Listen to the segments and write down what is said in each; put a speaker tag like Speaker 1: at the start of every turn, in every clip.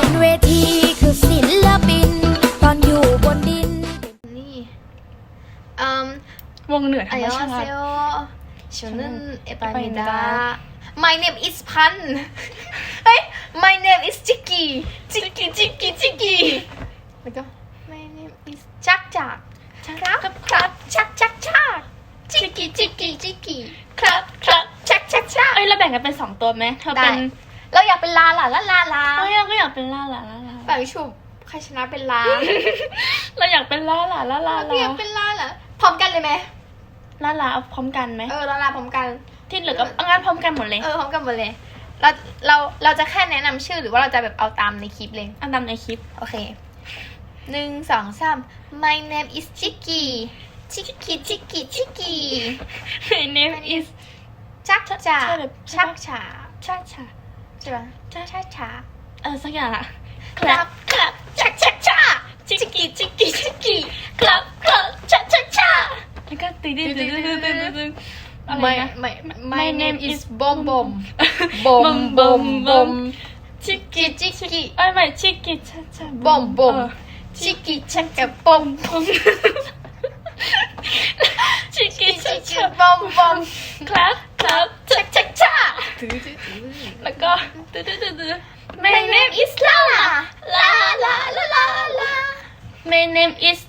Speaker 1: นเวทีคือศิลปินตอนอยู่บนดิน
Speaker 2: นี่
Speaker 3: วงเหนือธรรมชาติ
Speaker 2: 저는 에바입니다. My name is 판. My name is 치키. 치키. 그죠? My name is 짝짝. 짝. 치키. 짝.
Speaker 3: เอ้ยเราแบ่งกันเป็น2ตัวไหมเธอเป็น
Speaker 2: เราอยากเป็นลา
Speaker 3: เอ้ยเราก็อยากเป็นล่า
Speaker 2: แบบฉุบใครชนะเป็นลา
Speaker 3: เราอยากเป็นล่า
Speaker 2: เราอยากเป็นลาเหรอพร้อมกันเลยไหม
Speaker 3: เอาพร้อมกันไหม
Speaker 2: ลาพร้อมกัน
Speaker 3: ที่เหลือก็เอางั้นพร้อมกันหมดเลย
Speaker 2: พร้อมกันหมดเลย เราจะแค่แนะนำชื่อหรือว่าเราจะแบบเอาตามในคลิปเลย
Speaker 3: อันดำในคลิป
Speaker 2: โอเค1 2 3 My name is Chicky
Speaker 3: My name is
Speaker 2: ชักจ่า
Speaker 3: ใช่แบบ
Speaker 2: ชักฉา
Speaker 3: ชา
Speaker 2: ใช่ปะชักฉา
Speaker 3: สักอย่างอะ
Speaker 2: ครับชักฉา
Speaker 3: ชิกกี้ครับชาแล้วก็ตึ๊ดอะไรนะ
Speaker 2: My name is Bom Bom
Speaker 3: ชิกกี้ ไม่ชิกกี้ชา
Speaker 2: Bom Bom ชิกกี้ชักกับ Bom
Speaker 3: ชิกกี้ชา
Speaker 2: Bom Bom
Speaker 3: ครับ
Speaker 2: ชักฉา
Speaker 3: แล้วก็ตึ๊ด
Speaker 2: My name is Lala
Speaker 3: My name is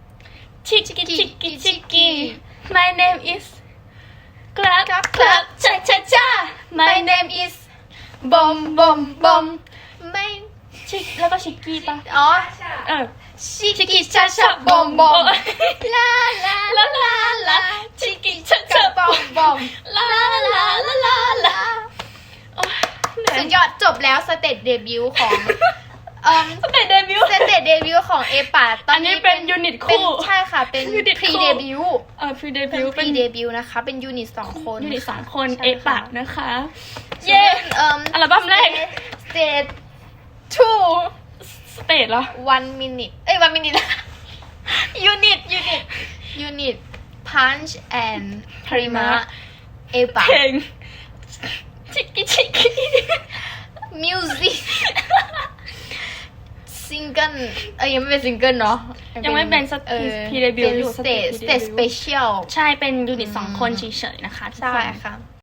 Speaker 3: Chicky My name is ครับชา
Speaker 2: My name is Bom Bom ไม่
Speaker 3: ชิกแล้วก็ชิกกี้ป่ะ
Speaker 2: อ๋อ
Speaker 3: ชิก
Speaker 2: ชิกิชาชาบอมบอมลาชิกิชาชาบอมบอมลาสุดยอดจบแล้วสเตจเดบิวต์ของ
Speaker 3: สเตจเดบิวต์
Speaker 2: สเตจเดบิวต์ของเอปาตอนนี้
Speaker 3: เป็นยูนิตคู่
Speaker 2: ใช่ค่ะเป็น
Speaker 3: unit
Speaker 2: พรี
Speaker 3: คู่
Speaker 2: เดบิวต์
Speaker 3: พรีเดบิ
Speaker 2: เป็น
Speaker 3: วต์
Speaker 2: พรีเดบิวต์นะคะเป็นยูนิต2 คน
Speaker 3: ยูนิต2 คน
Speaker 2: ใช่
Speaker 3: เอปะนะคะ เย้ อัลบั้มแรก
Speaker 2: สเตจ2
Speaker 3: สเตจเหรอ
Speaker 2: 1 minute 1 minute ยูนิต punch and prima เอปา
Speaker 3: เพลงชิกกี้
Speaker 2: music ซิงเกิลยังไม่เป็นซิงเกิลเนาะ
Speaker 3: ยังไม่เป็นพรีเดบิว
Speaker 2: เป็น
Speaker 3: ต์อยู่
Speaker 2: สเตจสเปเชียล
Speaker 3: ใช่เป็นยูนิต2 คนเฉยๆนะคะทุก
Speaker 2: ใช่
Speaker 3: คน
Speaker 2: ค่ะ